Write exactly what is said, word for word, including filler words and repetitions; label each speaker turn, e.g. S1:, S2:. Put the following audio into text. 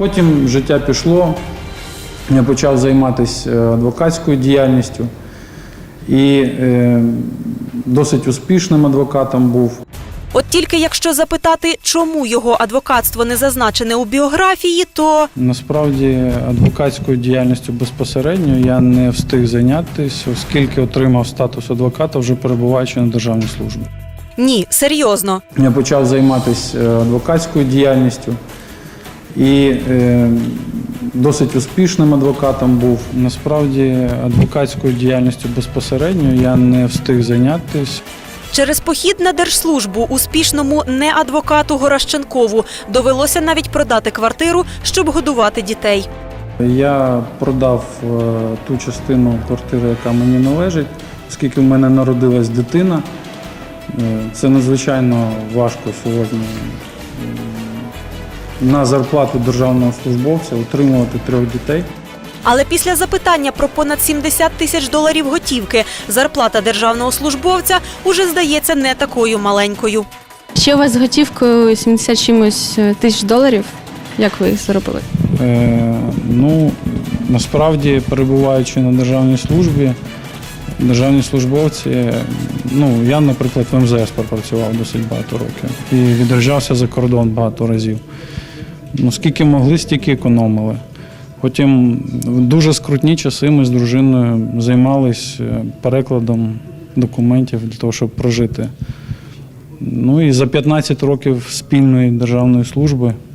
S1: Потім життя пішло, я почав займатися адвокатською діяльністю і е, досить успішним адвокатом був.
S2: От тільки якщо запитати, чому його адвокатство не зазначене у біографії, то…
S1: Насправді адвокатською діяльністю безпосередньо я не встиг зайнятися, оскільки отримав статус адвоката, вже перебуваючи на державній службі.
S2: Ні, серйозно.
S1: Я почав займатися адвокатською діяльністю і е, досить успішним адвокатом був. Насправді адвокатською діяльністю безпосередньо я не встиг зайнятися.
S2: Через похід на держслужбу успішному не-адвокату Горощенкову довелося навіть продати квартиру, щоб годувати дітей.
S1: Я продав е, ту частину квартири, яка мені належить, оскільки в мене народилась дитина. Е, це надзвичайно важко сьогодні е, на зарплату державного службовця утримувати трьох дітей.
S2: Але після запитання про понад сімдесят тисяч доларів готівки зарплата державного службовця уже здається не такою маленькою.
S3: Ще у вас з готівкою сімдесят чимось тисяч доларів? Як ви їх заробили?
S1: Е, ну, насправді, перебуваючи на державній службі, державні службовці, ну, я, наприклад, в ем зе ес пропрацював досить багато років і від'їжджався за кордон багато разів. Ну, скільки могли, стільки економили. Потім в дуже скрутні часи ми з дружиною займалися перекладом документів для того, щоб прожити. Ну і за п'ятнадцять років спільної державної служби